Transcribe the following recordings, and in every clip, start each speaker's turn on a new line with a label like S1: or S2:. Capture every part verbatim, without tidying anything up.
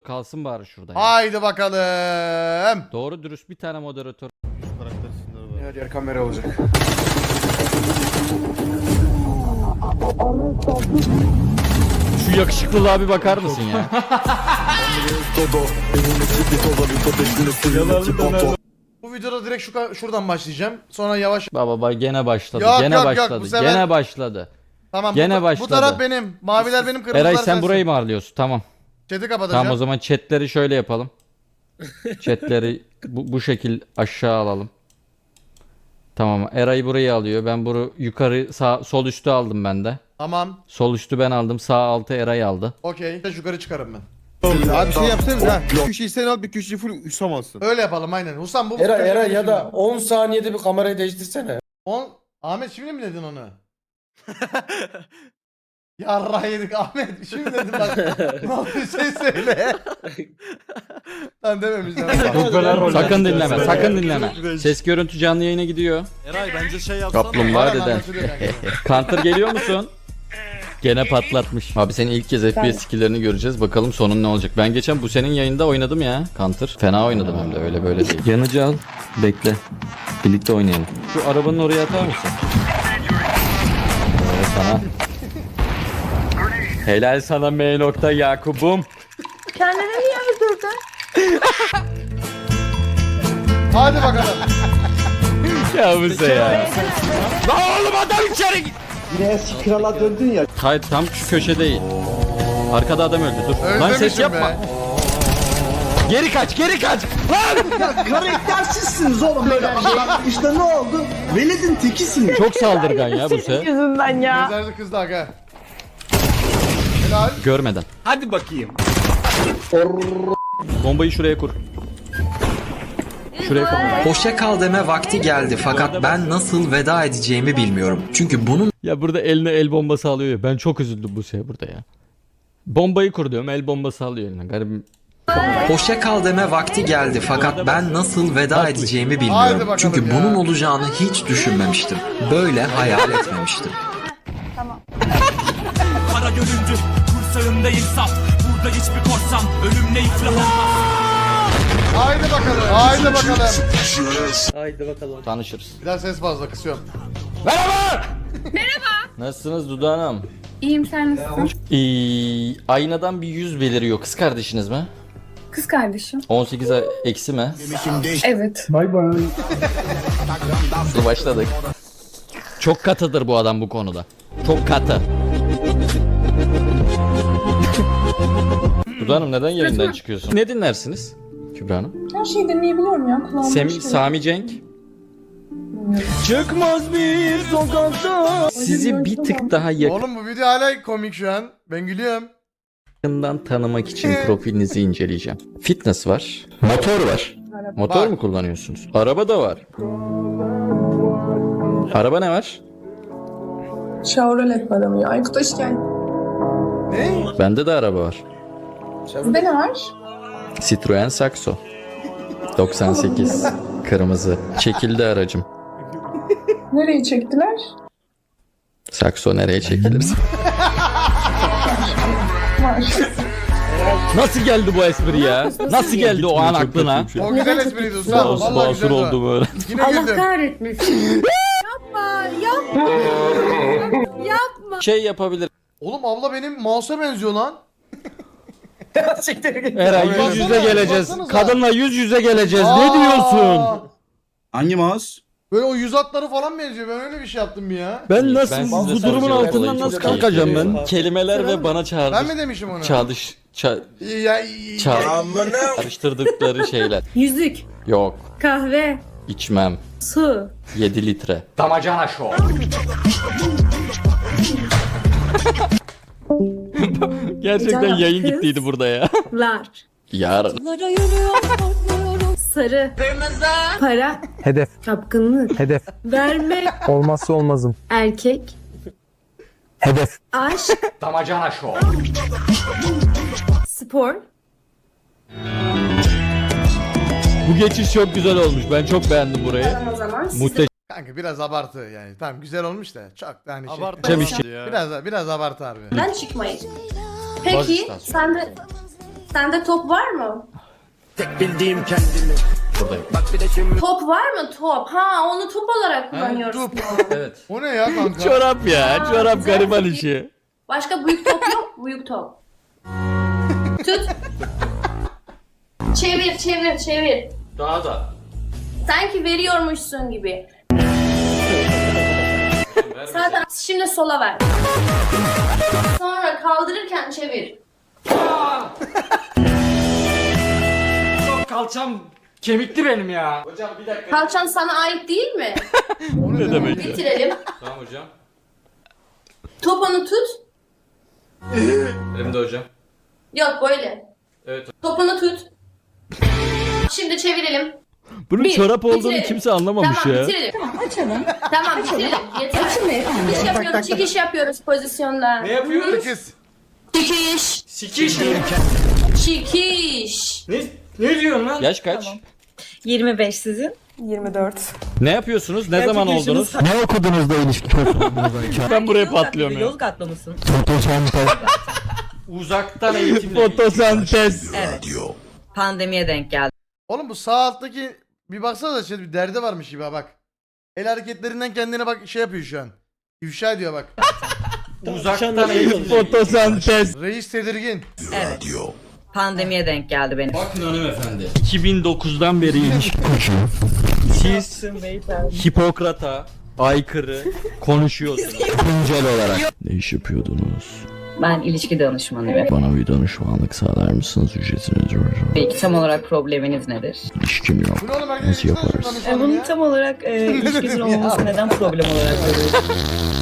S1: Kalsın bari şurada. ya.
S2: Haydi bakalım.
S1: Doğru dürüst bir tane moderatör.
S3: Her yer kamera olacak.
S1: Şu yakışıklılığa bir bakar mısın ya?
S2: Bu videoda direkt şu şuradan başlayacağım. Sonra yavaş.
S1: Baba baba gene başladı.
S2: Yok,
S1: gene
S2: yok, yok,
S1: başladı.
S2: bu sefer-
S1: Gene başladı.
S2: Tamam.
S1: Gene
S2: bu,
S1: başladı.
S2: bu taraf benim. Maviler benim, kırmızılar
S1: Eray sen
S2: sensin.
S1: burayı mı ağırlıyorsun? Tamam.
S2: Chat'i kapatacağım.
S1: Tamam o zaman chatleri şöyle yapalım. Chatleri bu, bu şekil aşağı alalım. Tamam. Eray burayı alıyor. Ben bunu yukarı sağ sol üstü aldım ben de.
S2: Tamam.
S1: Sol üstü ben aldım. Sağ altı Eray aldı.
S2: Okey. Yukarı çıkarım ben.
S4: Abi şey yapsanız ha. Bir köşeyi sen al, bir köşeyi full Hüsam alsın.
S2: Öyle yapalım aynen. Husam bu.
S3: Era Era ya da on saniyede bir kamerayı değiştirsene.
S2: on Ahmet şimdi mi dedin onu? Yarra yedik Ahmet. Şimdi dedim bak. Ne oldu şey söyle. Lan dememişler.
S1: Sakın dinleme. Sakın dinleme. Ses görüntü canlı yayına gidiyor.
S5: Eray bence şey yapsana.
S1: Kaplumbağa
S2: Aynen,
S1: deden.
S2: anlaşılıyor kanka.
S1: Counter geliyor musun? Gene patlatmış. Abi senin ilk kez F P S skill'lerini göreceğiz. Bakalım sonun ne olacak. Ben geçen bu senin yayında oynadım ya Counter. Fena oynadım hem de öyle böyle değil. Yanıcı al. Bekle. Birlikte oynayalım. Şu arabanın oraya atar mısın? Evet sana. Helal sana M nokta Yakub'um.
S6: Kendini niye öldürdün?
S2: Hadi bakalım.
S1: Ya bu se ya. Lan oğlum adam içeri git.
S7: Yine eski krala döndün ya.
S1: Hayır tam şu köşe değil. Arkada adam öldü dur. Lan ses
S2: Özlemişim
S1: yapma.
S2: be.
S1: Geri kaç geri kaç. Lan.
S7: Ya karaktersizsiniz oğlum böyle. Bak işte ne oldu? Veled'in tekisiniz.
S1: Çok saldırgan ya bu se.
S6: Yüzünden ya.
S2: Gözlerinizi kızdı aga. Helal.
S1: Görmeden.
S5: Hadi bakayım.
S1: Bombayı şuraya kur. Şuraya kur.
S8: Hoşça kal deme vakti geldi fakat ben nasıl veda edeceğimi bilmiyorum. Çünkü bunun
S1: Ya burada eline el bombası alıyor ya. Ben çok üzüldüm bu şey burada ya. Bombayı kur diyorum, el bombası alıyor eline. Garibim.
S8: hoşça kal deme vakti geldi fakat ben nasıl veda edeceğimi
S2: Haydi
S8: bilmiyorum.
S2: bakalım
S8: Çünkü
S2: ya.
S8: bunun olacağını hiç düşünmemiştim. Böyle hayal etmemiştim.
S5: Kara göründü. Kursağımda insaf. Burada hiçbir korsan. Ölümle iflah olmaz.
S2: Haydi bakalım. Haydi bakalım.
S7: Haydi bakalım.
S1: Tanışırız.
S2: Biraz ses fazla kısıyorum.
S1: Merhaba. Merhaba. Nasılsınız Duda Hanım?
S6: İyiyim, sen nasılsın?
S1: Ee, aynadan bir yüz beliriyor. Kız kardeşiniz mi?
S6: Kız kardeşim.
S1: on sekiz eksi mi?
S6: Evet.
S7: Bay bay.
S1: Hızlı başladık. Çok katıdır bu adam bu konuda. Çok katı. Duda Hanım neden yayından çıkıyorsun? Ne dinlersiniz Kübra Hanım?
S6: Her şeyi dinleyebiliyorum ya. Kulağım
S1: Sem
S6: boş değil.
S1: Sami Cenk. Çıkmaz bir sokakta. Sizi bir tık daha
S2: Oğlum bu video hala komik şu an. Ben gülüyorum.
S1: yakından tanımak için profilinizi inceleyeceğim. Fitness var. Motor var. Motor
S2: Var.
S1: mu kullanıyorsunuz? Araba da var. Araba ne var?
S6: Chevrolet var ama ya. Aykut hoş geldin.
S2: Ne?
S1: Bende de araba var.
S6: Sizde ne var?
S1: Citroen Saxo. doksan sekiz. Kırmızı. Çekildi aracım.
S6: Nereye çektiler?
S1: Saxo nereye çekilir?
S6: Var.
S1: Nasıl geldi bu espri ya? Nasıl geldi o an aklına?
S2: O güzel espriydi Usam.
S1: Basur
S2: Vallahi
S1: basur
S2: güzeldi.
S1: oldu böyle.
S2: Yine güldüm.
S6: kahretmesin.
S1: Şey yapabilir.
S2: Oğlum abla benim mouse'a benziyor lan.
S1: Eray yüz
S2: Baksana,
S1: yüze geleceğiz.
S2: baksanıza.
S1: Kadınla yüz yüze geleceğiz. Ne
S2: Aa!
S1: diyorsun?
S4: Hangi mouse?
S2: Böyle o yüz hatları falan benziyor. Ben öyle bir şey yaptım bir ya.
S1: Ben nasıl Ben bu size durumun soracağım. altından Olayı nasıl çok kalkacağım keyifli. ben? Kelimeler ve bana çağrış.
S2: Ben mi demişim onu?
S1: Çağdış. Ça
S2: Ya, ya,
S1: ça karıştırdıkları şeyler.
S6: Yüzük,
S1: Yok.
S6: kahve,
S1: içmem.
S6: su.
S1: yedi litre. Gerçekten
S6: Canım,
S1: yayın
S6: kız.
S1: gittiydi burada ya.
S6: Lar.
S1: Yarın.
S6: Sarı. Kırmızı. Para.
S7: Hedef.
S6: Çapkınlık.
S7: Hedef.
S6: Verme.
S7: Olmazsa olmazım.
S6: Erkek.
S7: Hedef.
S6: Aşk. Damacana show. Spor.
S1: Bu geçiş çok güzel olmuş. Ben çok beğendim burayı.
S6: O zaman siz
S1: Muhteşem
S2: Kanka biraz abartı yani. Tamam güzel olmuş da çok da hani şey.
S5: Abartma
S1: iş.
S5: ya.
S2: Biraz biraz abartı harbi.
S6: ben çıkmayın.
S1: Baş
S6: Peki
S1: üstad.
S6: sen de Sende top var mı?
S1: Buradayım.
S6: Top var mı top? Ha onu top olarak kullanıyoruz.
S2: top.
S1: Evet.
S2: O ne ya kanka?
S1: Çorap ya.
S6: Aa,
S1: Çorap
S6: güzel.
S1: gariban işi.
S6: Başka büyük top yok. Büyük top. Tut. Çevir çevir çevir.
S1: Daha da.
S6: Sanki veriyormuşsun gibi. Zaten şimdi sola ver. Sonra kaldırırken çevir.
S5: Kalçam kemikli benim ya.
S6: Kalçan sana ait değil mi?
S1: Ne demek ya?
S6: Bitirelim.
S1: Tamam hocam.
S6: Topunu tut.
S1: Elimde hocam.
S6: Yok böyle.
S1: Evet.
S6: Topunu tut. Şimdi çevirelim.
S1: Bunun
S6: Bir,
S1: çorap olduğunu
S6: bitirelim.
S1: kimse anlamamış
S6: Tamam
S1: ya.
S6: bitirelim. Tamam bitirelim. Yeter. Çıkış yapıyoruz, çıkış yapıyoruz pozisyonda.
S5: Ne yapıyoruz?
S2: Kız.
S6: Çıkış.
S5: Sikiş.
S6: Çıkış.
S5: Ne, ne diyorsun lan?
S1: Yaş kaç?
S9: yirmi beş sizin.
S10: yirmi dört.
S1: Ne yapıyorsunuz? Ne zaman oldunuz?
S4: Ne okudunuz da ilişki
S1: Ben buraya patlıyorum ya.
S9: Yozgatlı mısın?
S5: Uzaktan eğitimle.
S1: Fotosentez.
S9: Evet. Pandemiye denk geldi.
S2: Oğlum bu sağ alttaki bir baksana da şey bir derdi varmış gibi ha bak. El hareketlerinden kendine bak şey yapıyor şu an. İfşa ediyor bak.
S5: Uzaktan eğitimle.
S1: Fotosentez.
S2: Reis tedirgin.
S9: Evet. Pandemiye denk geldi benim.
S1: Bakın hanımefendi. iki bin dokuzdan beri ilişki kuruşuyor. Siz Hipokrat'a aykırı konuşuyorsunuz. Güncel olarak. Ne iş yapıyordunuz?
S9: Ben ilişki danışmanıyım.
S1: Bana bir danışmanlık sağlar mısınız? Ücretiniz hocam.
S9: Peki tam olarak probleminiz nedir?
S1: İlişkim yok.
S2: Bu ne oğlum
S1: Nasıl
S2: herkes
S1: yaparız?
S9: Bunun tam olarak e, ilişkinizin olmaması neden problem olarak görüyorsunuz?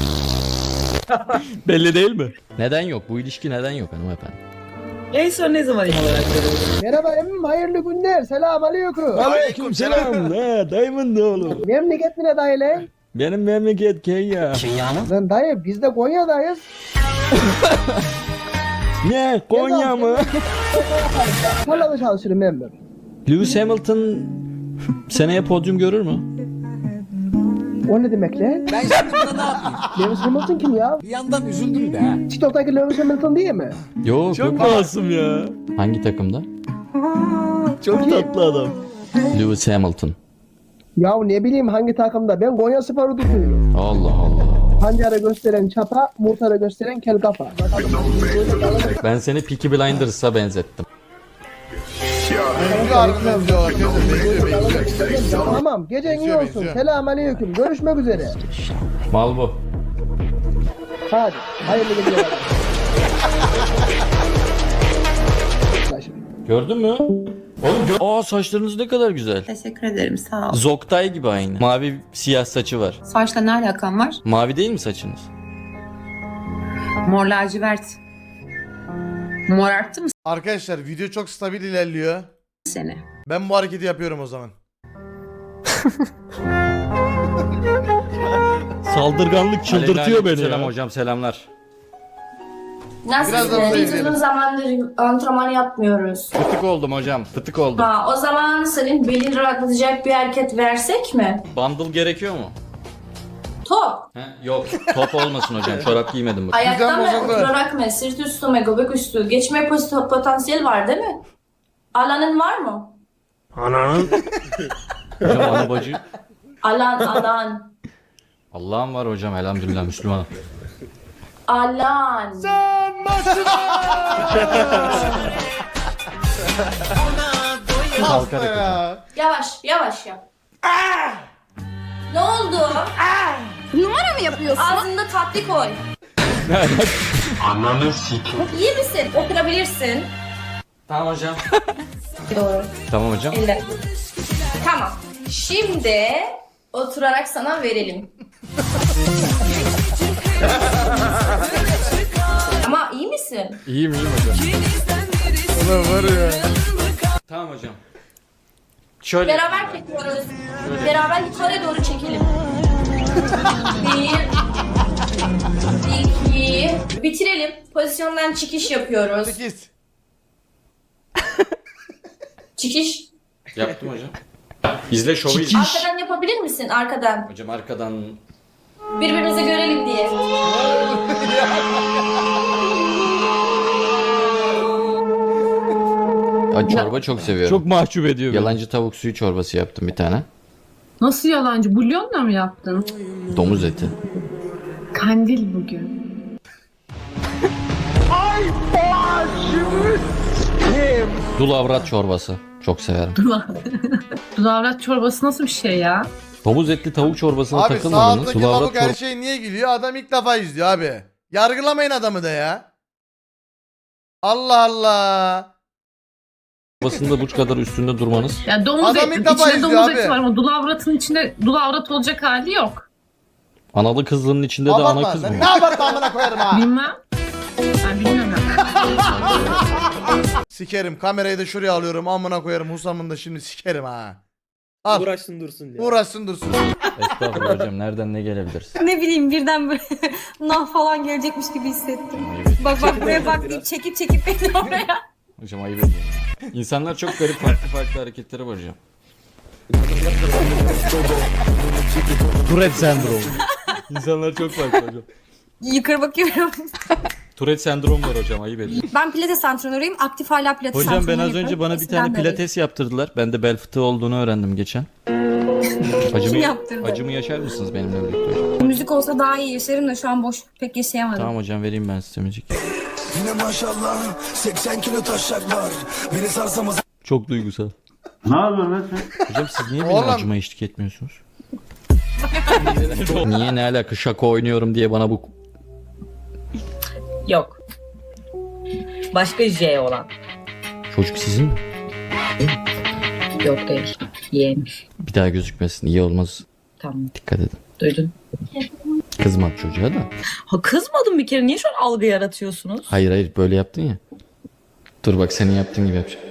S1: Belli değil mi? Neden yok? Bu ilişki neden yok hanımefendi?
S9: En son ne zaman olarak görüyorsunuz?
S7: Merhaba emmim hayırlı günler. Selam aleyküm.
S1: Aleyküm selam. Ne? Dayımın da oğlum.
S7: Memleket ne dayı lan?
S1: Benim memleket Kenya.
S7: Lan dayı biz de Konya'dayız.
S1: Ne? Konya mı?
S7: Tarlada çalışırım emmim.
S1: Lewis Hamilton seneye podyum görür mü?
S7: O ne demek lan? Ben şimdi burada ne yapayım? Lewis Hamilton kim ya?
S4: Bir yandan üzüldüm de ha.
S7: TikTok'taki Lewis Hamilton değil mi?
S1: Yok, çok masum ya. Hangi takımda? Çok tatlı adam. Lewis Hamilton.
S7: Ya ne bileyim hangi takımda? Ben Konya Spor'u tutuyorum.
S1: Allah Allah.
S7: Pancara gösteren çapa, murtara gösteren kel kafa.
S1: Ben seni Peaky Blinders'a benzettim.
S2: Benziyor harbi benziyor arkadaşlar. Benziyor benziyor.
S7: Tamam gecen iyi
S2: Benziyor,
S7: olsun.
S2: benziyor.
S7: Selam aleyküm. Görüşmek üzere.
S1: Mal bu.
S7: Hadi. Hayırlı geceler.
S1: Gördün mü? Oğlum gör- Aa saçlarınız ne kadar güzel.
S10: Teşekkür ederim sağ ol.
S1: Zoktay gibi aynı. Mavi siyah saçı var.
S10: Saçla ne alakan var?
S1: Mavi değil mi saçınız?
S10: Mor lacivert. Mor arttı mı
S2: Arkadaşlar video çok stabil ilerliyor.
S10: seni?
S2: Ben bu hareketi yapıyorum o zaman.
S1: Saldırganlık çıldırtıyor beni Selam hocam selamlar.
S2: Biraz da
S6: Nasılsın?
S2: buraya
S6: Biz
S2: gidelim.
S6: uzun zamandır antrenman yapmıyoruz.
S1: Fıtık oldum hocam fıtık oldum.
S6: Ha, o zaman senin belini rahatlatacak bir hareket versek mi?
S1: Bundle gerekiyor mu?
S6: Top.
S1: He? Yok top olmasın hocam çorap giymedim bak.
S6: Ayakta mı,
S2: bozuldu.
S6: oturarak mı, sırt üstü mü, göbek üstü? Geçme pos- potansiyeli var değil mi? Alanın var mı?
S1: Hocam ana bacı.
S6: Alan, alan.
S1: Allah'ım var hocam elhamdülillah Müslümanım.
S6: Alan.
S1: Kalk
S2: Hasta ya.
S6: Yavaş, yavaş yap. Ne oldu? Numara mı yapıyorsun? Ağzında tatlı koy.
S5: Ananı sikim.
S6: İyi misin? Oturabilirsin.
S1: Tamam hocam.
S6: Doğru.
S1: Tamam hocam.
S6: Elle. Tamam. Şimdi oturarak sana verelim. Ama iyi misin?
S1: İyiyim iyiyim hocam.
S2: Ulan var ya.
S1: Tamam hocam. Şöyle.
S6: Beraber çekiyoruz. Beraber yukarı doğru çekelim. Bir. İki. Bitirelim. Pozisyondan çıkış yapıyoruz.
S2: sekiz.
S6: Çıkış.
S1: Yaptım hocam. İzle şovu izle.
S6: Arkadan yapabilir misin? Arkadan.
S1: Hocam arkadan.
S6: Birbirimizi görelim diye.
S1: Ay, çorba çok seviyorum.
S5: Çok mahcup ediyor beni.
S1: Yalancı tavuk suyu çorbası yaptım bir tane.
S10: Nasıl yalancı? Bulyonla mı yaptın?
S1: Domuz eti.
S10: Kandil bugün.
S1: Dul avrat çorbası. Çok severim.
S10: Dulavrat çorbası nasıl bir şey ya?
S1: Domuz etli tavuk çorbasına
S2: Abi sağ
S1: takılmadınız.
S2: alttaki
S1: Dul avrat
S2: lavuk her
S1: çor-
S2: şey niye gülüyor? Adam ilk defa izliyor abi. Yargılamayın adamı da ya. Allah Allah.
S1: çorbasında bu kadar üstünde durmanız.
S10: Ya domuz
S2: Adam
S10: eti,
S2: ilk defa
S10: içinde
S2: izliyor
S10: domuz
S2: abi.
S10: eti var ama dulavratın içinde dulavrat olacak hali yok.
S1: Analı kızlının içinde de
S2: Abartma.
S1: ana kız mı?
S2: Sen ne abartma amına koyarım ha.
S10: Bilmem. Ben bilmiyorum.
S2: Sikerim. Kamerayı da şuraya alıyorum. Amına koyarım. Husam'ın da şimdi sikerim ha. Al.
S4: Uğraşsın dursun diye.
S2: Uğraşsın dursun.
S1: Estağfurullah hocam, nereden ne gelebilirsin?
S6: Ne bileyim birden böyle nah falan gelecekmiş gibi hissettim. Bak bak buraya bak deyip çekip çekip beni oraya.
S1: Hocam ayıp ediyorum. İnsanlar çok garip farklı farklı hareketleri var hocam.
S5: Tourette sendromu. İnsanlar çok farklı hocam.
S6: Yukarı bakıyorum.
S1: Tourette sendromu var hocam, ayıp ediyorum.
S6: Ben pilates antrenörüyüm. Aktif hala pilates
S1: Hocam ben
S6: antrenörü
S1: az
S6: yapıyorum.
S1: önce bana bir
S6: Eskiden
S1: tane
S6: de
S1: pilates yaptırdılar. Ben de bel fıtığı olduğunu öğrendim geçen. Acımı,
S6: Kim yaptırdı?
S1: acımı yaşar mısınız benimle birlikte hocam?
S6: öyleyim. Müzik olsa daha iyi yaşarım da şu an boş pek yaşayamadım.
S1: Tamam hocam, vereyim ben size müzik.
S7: Yine maşallah seksen kilo taşak var. Beni sarsamaz.
S1: Çok duygusal.
S7: Ne yapıyorsun lan sen?
S1: Hocam siz niye benim
S2: Oğlum.
S1: acıma eşlik etmiyorsunuz? Niye, ne alaka, şaka oynuyorum diye bana bu...
S9: Yok. Başka J olan.
S1: Çocuk sizin mi?
S9: Yok değil. Yeğenmiş.
S1: Bir daha gözükmesin, iyi olmaz.
S9: Tamam.
S1: Dikkat edin.
S9: Duydun.
S1: Kızmak çocuğa da.
S9: Ha kızmadım bir kere. Niye şu an algı yaratıyorsunuz?
S1: Hayır hayır, böyle yaptın ya. Dur bak, senin yaptığın gibi yapacağım.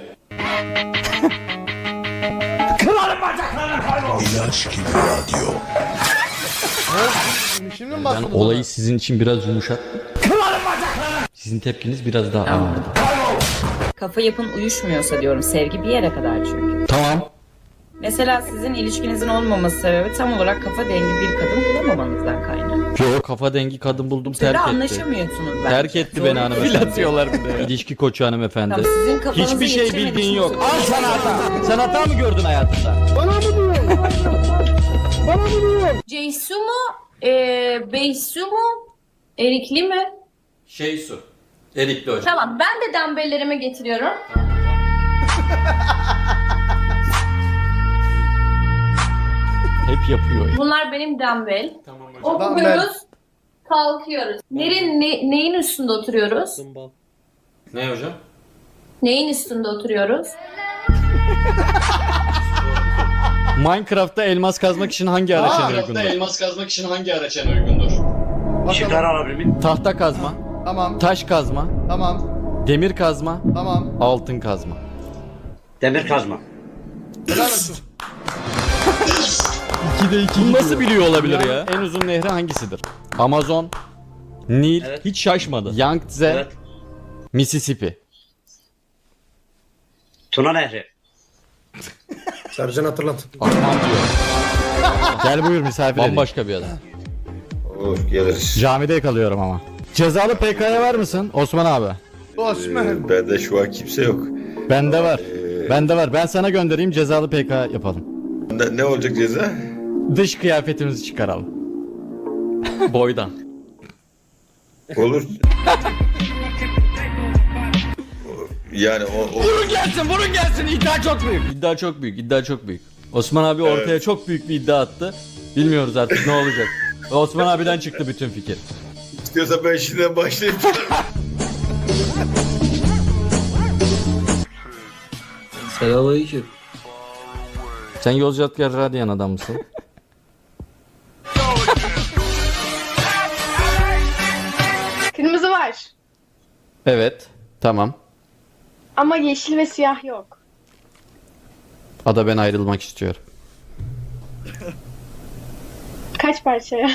S7: İlaç gibi radyo.
S2: Şimdi mi
S1: Ben
S2: bastın
S1: olayı sizin için biraz yumuşat. Sizin tepkiniz biraz daha ağırdı.
S9: Kafa yapın uyuşmuyorsa diyorum. Sevgi bir yere kadar çünkü.
S1: Tamam.
S9: Mesela sizin ilişkinizin olmaması sebebi tam olarak kafa dengi bir kadın bulamamanızdan kaynaklı.
S1: Yo, kafa dengi kadın buldum,
S9: Siz
S1: terk
S9: de
S1: etti.
S9: anlaşamıyorsunuz bence.
S1: Terk etti
S9: Doğru.
S1: beni hanımefendi. İlişki koçu hanımefendi.
S9: Tamam, sizin kafanızı
S1: Hiçbir şey
S9: yetiremediğiniz
S1: bildiğin yok.
S9: için-
S1: Al sana hata. Sen hata mı gördün hayatında?
S6: Ceysu mu? Ee, Beysu mu? Erikli mi?
S1: Şey su. Erikli hocam.
S6: Tamam ben de dambellerimi getiriyorum.
S1: Hep yapıyor.
S6: Bunlar benim dambel.
S1: Tamam hocam.
S6: Okuyoruz. Kalkıyoruz. Nerin, ne- neyin üstünde oturuyoruz?
S1: Ne hocam?
S6: Neyin üstünde oturuyoruz?
S1: Minecraft'ta elmas kazmak için hangi araç en uygundur?
S11: elmas kazmak için hangi araç en uygundur?
S2: Bakalım.
S1: Tahta kazma,
S2: Tamam.
S1: taş kazma,
S2: Tamam.
S1: demir kazma,
S2: Tamam.
S1: altın kazma.
S11: Demir kazma.
S2: Helal olsun.
S1: ikide iki Bunu nasıl biliyor olabilir ya? En uzun nehri hangisidir? Amazon, Nil,
S11: Evet.
S1: hiç şaşmadı. Yangtze,
S11: Evet.
S1: Mississippi.
S11: Tuna Nehri.
S3: Sercan hatırlat.
S1: Akman diyor. Gel buyur misafir Bambaşka bir adam.
S7: Olur geliriz.
S1: Camide kalıyorum ama. Cezalı P K'ya var mısın Osman abi?
S2: Osman.
S7: Bende şu an kimse yok.
S1: Bende var. Bende var. Ben sana göndereyim, cezalı P K yapalım.
S7: Ne, ne olacak ceza?
S1: Dış kıyafetimizi çıkaralım. Boydan.
S7: Olur. Yani o, o...
S1: Vurun gelsin, vurun gelsin. İddia çok büyük. İddia çok büyük, iddia çok büyük. Osman abi ortaya
S7: Evet.
S1: çok büyük bir iddia attı. Bilmiyoruz artık ne olacak. Ve Osman abiden çıktı bütün fikir.
S7: istiyorsa ben şimdiden başlayayım.
S8: Selamünaleyküm.
S1: Sen Yozgat Radyan adam mısın?
S6: Kırmızı var.
S1: Evet. Tamam.
S6: Ama yeşil ve siyah yok.
S1: Ada, ben ayrılmak istiyorum.
S6: Kaç parçaya?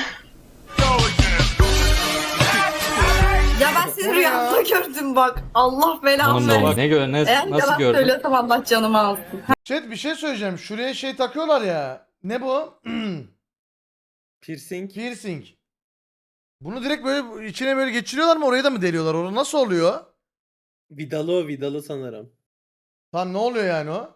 S10: Ya ben seni rüyamda gördüm bak. Allah belamı
S1: Hanımla bak. Ne gör, ne,
S10: Eğer
S1: nasıl
S10: yalan
S1: gördün?
S10: söylüyorsam Allah canımı alsın.
S2: Chat bir şey söyleyeceğim. Şuraya şey takıyorlar ya. Ne bu?
S4: Piercing.
S2: Piercing. Bunu direkt böyle içine böyle geçiriyorlar mı? Oraya da mı deliyorlar? Orada nasıl oluyor?
S4: Vidalı o vidalı sanırım.
S2: Tamam ne oluyor yani o?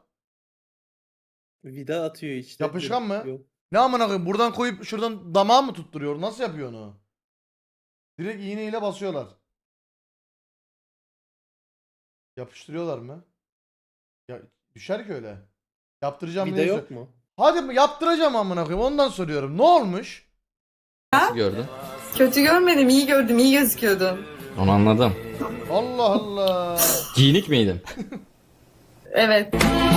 S3: Vida atıyor işte.
S2: Yapışkan mı?
S3: Yok.
S2: Ne amına koyayım? Buradan koyup şuradan damağa mı tutturuyor? Nasıl yapıyor onu? Direkt iğneyle basıyorlar. Yapıştırıyorlar mı? Ya düşer ki öyle. Yaptıracağım
S3: Vida
S2: diye
S3: yok
S2: sor-
S3: mu?
S2: Hadi yaptıracağım amına koyayım. Ondan soruyorum. Ne olmuş?
S1: Nasıl gördün?
S10: Kötü görmedim, iyi gördüm, iyi gözüküyordun.
S1: Onu anladım.
S2: Allah Allah.
S1: Giyinik miydin?
S10: Evet.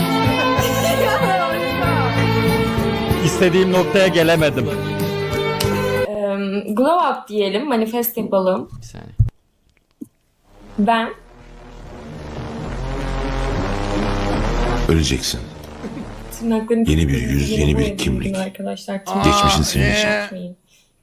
S1: İstediğim noktaya gelemedim.
S6: Glow up diyelim, manifest yapalım.
S1: Bir saniye.
S6: Ben
S12: Öleceksin.
S6: tırnaklarını
S12: Yeni bir yüz, yeni bir kimlik.
S6: arkadaşlar.
S12: Geçmişin senin için.
S2: Ee,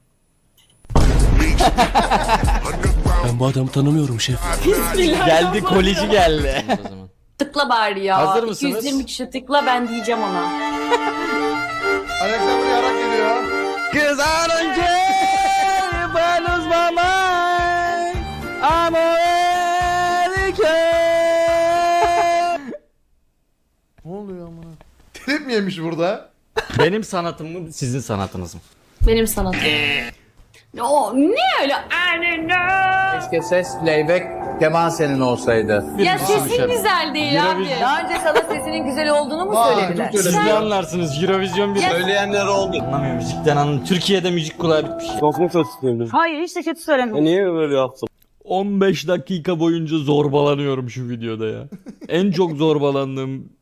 S5: Ben bu adamı tanımıyorum şef.
S1: Geldi kolici geldi. O zaman.
S6: Tıkla bari ya.
S1: Hazır mısınız?
S6: iki yüz yirmi kişi tıkla, ben diyeceğim ona.
S2: Alexander yarak geliyor.
S1: Cause I don't care if I lose my mind. I'm already care.
S2: Ne oluyor amına? Trip mi yemiş burada?
S1: Benim sanatım mı sizin sanatınız mı?
S6: Benim sanatım. O ne öyle?
S7: Keşke ses playback keman senin olsaydı.
S6: Ya sesin güzel değil abi.
S10: Daha önce sana sesinin güzel olduğunu mu
S2: Vay,
S10: söylediler?
S2: çok
S1: Siz ne anlarsınız? Eurovision bir
S7: Söyleyenler oldu.
S1: anlamıyor müzikten anlamıyor. Türkiye'de müzik kulağı bitmiş.
S10: Hayır, hiç de kötü söylemedim.
S5: Niye böyle yaptın?
S1: on beş dakika boyunca zorbalanıyorum şu videoda ya. En çok zorbalandığım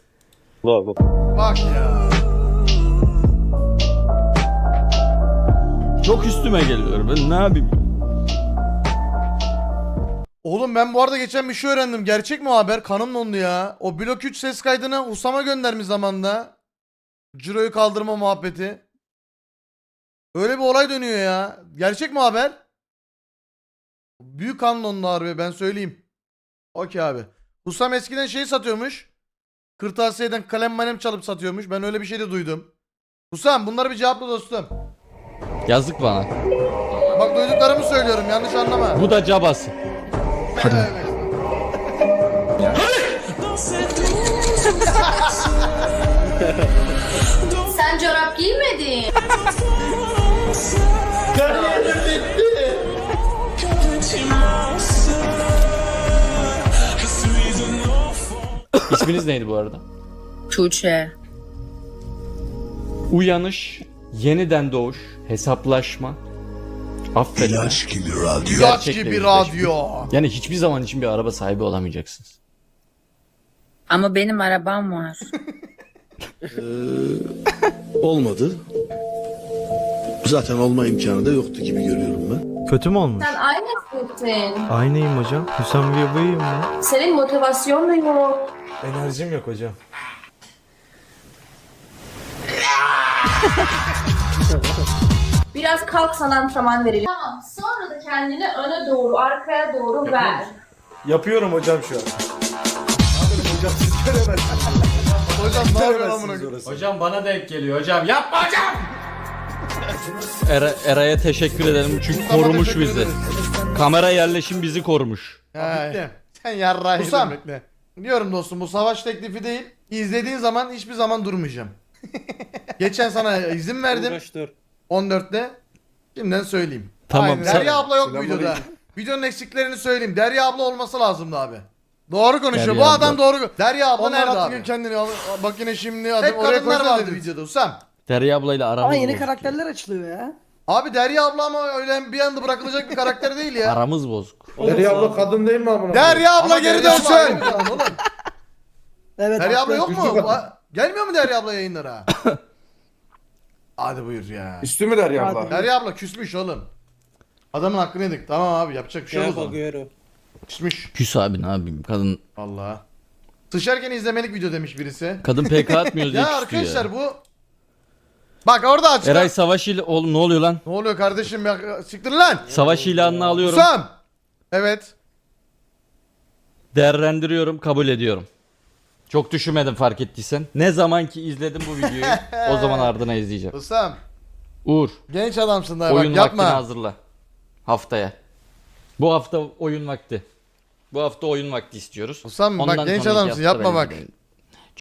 S2: Bak ya.
S1: çok üstüme geliyor. Ben ne yapayım?
S2: Oğlum ben bu arada geçen bir şey öğrendim. Gerçek mi o haber? Kanım dondu ya. O blok üç ses kaydını Husam'a göndermiş zamanında. Ciro'yu kaldırma muhabbeti. Öyle bir olay dönüyor ya. Gerçek mi o haber? Büyük kanım dondu harbi, ben söyleyeyim. Okey abi. Husam eskiden şeyi satıyormuş. Kırtasiyeden kalem malem çalıp satıyormuş. Ben öyle bir şey de duydum. Husam bunları bir cevapla dostum.
S1: Yazık bana.
S2: Bak duyduklarımı söylüyorum, yanlış anlama.
S1: Bu da cabası.
S6: Sen çorap giymedin.
S1: İsminiz neydi bu arada?
S9: Tuğçe.
S1: Uyanış, yeniden doğuş, hesaplaşma, affetme.
S12: İlaç gibi radyo.
S2: İlaç
S1: Gerçekle
S2: gibi
S1: yüzleşme.
S2: radyo.
S1: Yani hiçbir zaman için bir araba sahibi olamayacaksınız.
S9: Ama benim arabam var.
S12: Olmadı. Zaten olma imkanı da yoktu gibi görüyorum ben.
S4: Kötü mü olmuş?
S6: Sen aynısın.
S4: Aynıyım hocam. Hüsam Bey'im ben.
S6: Senin motivasyonun yok.
S4: Enerjim yok hocam.
S6: Biraz kalk, sana antrenman verelim. Tamam, sonra da kendini öne doğru, arkaya doğru ver.
S4: Yapıyorum hocam şu an.
S2: Hocam ne yapıyorsun amına koyayım?
S1: Hocam bana denk geliyor hocam. Yapma hocam! Era, Eray'a teşekkür ederim çünkü
S2: Tamam,
S1: korumuş
S2: teşekkür
S1: bizi.
S2: ederiz.
S1: Kamera yerleşim bizi korumuş.
S2: He. Sen yarrağı Husam. Diyorum dostum, bu savaş teklifi değil. İzlediğin zaman hiçbir zaman durmayacağım. Geçen sana izin verdim.
S3: Uğraştır.
S2: on dörtte. Şimdiden söyleyeyim.
S1: Tamam,
S2: Aynen.
S1: sen-
S2: Derya abla yok bu
S3: Selamünaleyküm.
S2: videoda. Videonun eksiklerini söyleyeyim. Derya abla olması lazımdı abi. Doğru konuşuyor.
S1: Derya
S2: bu
S1: abla.
S2: adam doğru. Derya abla
S4: Onlar
S2: nerede
S4: atıyor
S2: abi?
S4: kendini.
S2: Bak yine şimdi adam
S4: Hep
S2: oraya
S4: kadınlar
S2: koysana
S4: vardı
S2: dedi videoda Husam.
S1: Derya ablayla aramız bozuk.
S7: karakterler açılıyor ya.
S2: Abi Derya abla ama öyle bir anda bırakılacak bir karakter değil ya.
S1: Aramız bozuk.
S3: Derya abla kadın değil mi amına?
S2: Derya abla Ama geri Derya abla ayrı dönsün. bir adam oğlum.
S7: Evet.
S2: Derya abla yok
S3: Üstü
S2: mu?
S3: kadın.
S2: Va- Gelmiyor mu Derya abla yayınlara? Hadi buyur ya.
S3: Üstü mü Derya abla?
S2: Derya abla küsmüş oğlum. Adamın hakkını yedik. Tamam abi, yapacak bir şey yok o zaman.
S3: bakıyorum.
S2: Küsmüş.
S1: Küs abi ne yapayım kadın
S2: Vallahi. Sıçarken izlemelik video demiş birisi.
S1: kadın P K atmıyoruz diye
S2: Ya
S1: küstü
S2: arkadaşlar
S1: ya.
S2: bu. Bak orada açık.
S1: Eray savaş ile oğlum ne oluyor lan?
S2: Ne oluyor kardeşim ya? Siktir lan.
S1: Savaş ilanını alıyorum.
S2: Husam. Evet.
S1: Değerlendiriyorum, kabul ediyorum. Çok düşünmedim fark ettiysen. Ne zaman ki izledim bu videoyu o zaman ardına izleyeceğim.
S2: Husam.
S1: Uğur,
S2: Genç adamsın daha
S1: oyun
S2: bak
S1: vaktini
S2: yapma.
S1: hazırla. Haftaya. Bu hafta oyun vakti. Bu hafta oyun vakti istiyoruz.
S2: Husam bak
S1: Ondan
S2: genç
S1: sonraki
S2: adamsın
S1: hafta
S2: yapma
S1: ben
S2: bak.
S1: gideyim.